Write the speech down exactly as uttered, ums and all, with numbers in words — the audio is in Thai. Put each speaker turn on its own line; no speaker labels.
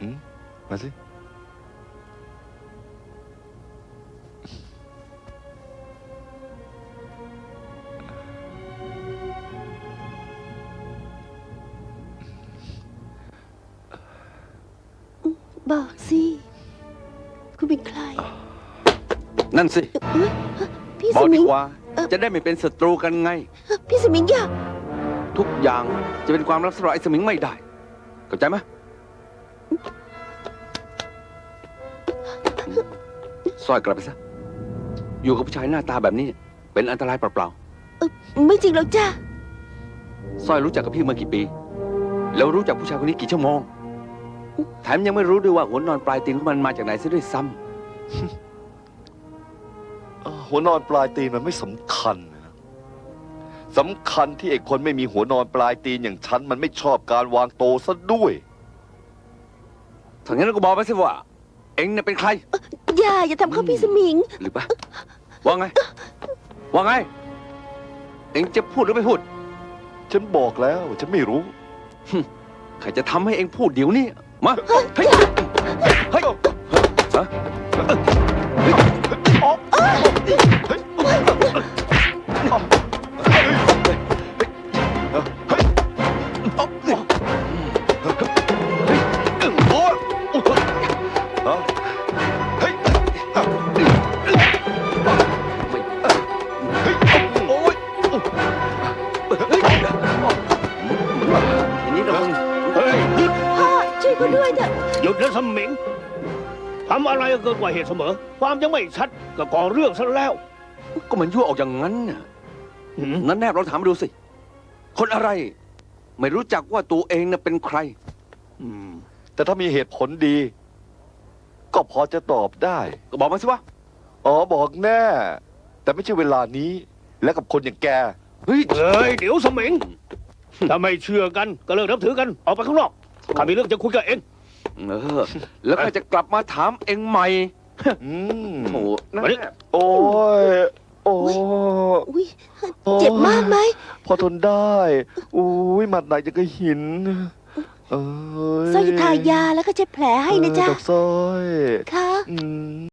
อืมมาสิ
บอกสิคุณเป็นใคร
นั่นสิ
เอ้ยพี่
บอ
ส
ก
มิ
ดี
ง
กว่า จะได้ไม่เป็นศัตรูกันไง
พี่สมิงอย่า
ทุกอย่างจะเป็นความลับสำหรับไอ้สมิงไม่ได้เข้าใจไหมสร้อยกลับไปซะอยู่กับผู้ชายหน้าตาแบบนี้เป็นอันตรายเปล่า
เอ่อไม่จริงหรอกจ้า
ๆสร้อยรู้จักกับพี่มากี่ปี แล้วรู้จักผู้ชายคนนี้กี่ชั่วโมงแถมยังไม่รู้ด้วยว่าหัวนอนปลายตีนของมันมาจากไหนซะด้วยซ้ำ
เอ่อหัวนอนปลายตีนมันไม่สำคัญนะสำคัญที่ไอ้คนไม่มีหัวนอนปลายตีนอย่างฉันมันไม่ชอบการวางโตซะด้วย
ถ้างั้นก็บอกไปสิว่า เอ็งเนี่ยเป็นใคร
อย่าอย่าทำเขาพี่สมิง
หรือปะว่าไง ว่าไง เอ็งจะพูดหรือไม่พูด
ฉันบอกแล้วฉันไม่รู้
ใครจะทำให้เอ็งพูดเดี๋ยวนี้มาเฮ้ยเฮ้ยฮะ ทีนี้เราต้อง
เฮ้ยหยุด
พ่อช่วยเขาด้วยเถอะ
หยุดนะสมิงทำอะไรก็เกินกว่าเหตุเสมอ ความยังไม่ชัดก็ก่อเรื่องซะแล้ว
ก็มันยั่วออกอย่างนั้นน่ะ
หืม
นั้นแนบเราถามมาดูสิ คนอะไร ไม่รู้จักว่าตัวเองน่ะเป็นใคร
อืม
แต่ถ้ามีเหตุผลดี ก็พอจะตอบได้
ก็บอกมาสิวะ
อ๋อบอกแน่ แต่ไม่ใช่เวลานี้ และกับคนอย่างแก
เฮ้ย
เฮ้ยเดี๋ยวสมิงถ้าไม่เชื่อกันก็เลิกนับถือกันออกไปข้างนอกข้ามีเรื่องจะคุยกับเอง
เออ แล้วก็จะกลับมาถามเองใหม่
อืม
โอ้โหนั่น
มาดิ
แหละ
โอ้ย โอ้
อุ้ยเจ็บมากไหม
พอทนได้อุ้ยหมัดไหนจะก็หิน เอ้ย
สร้อยทายาแล้วก็เช็ดแผลให้นะจ๊ะ
เออดอกสร้อย
ค่ะ
อืม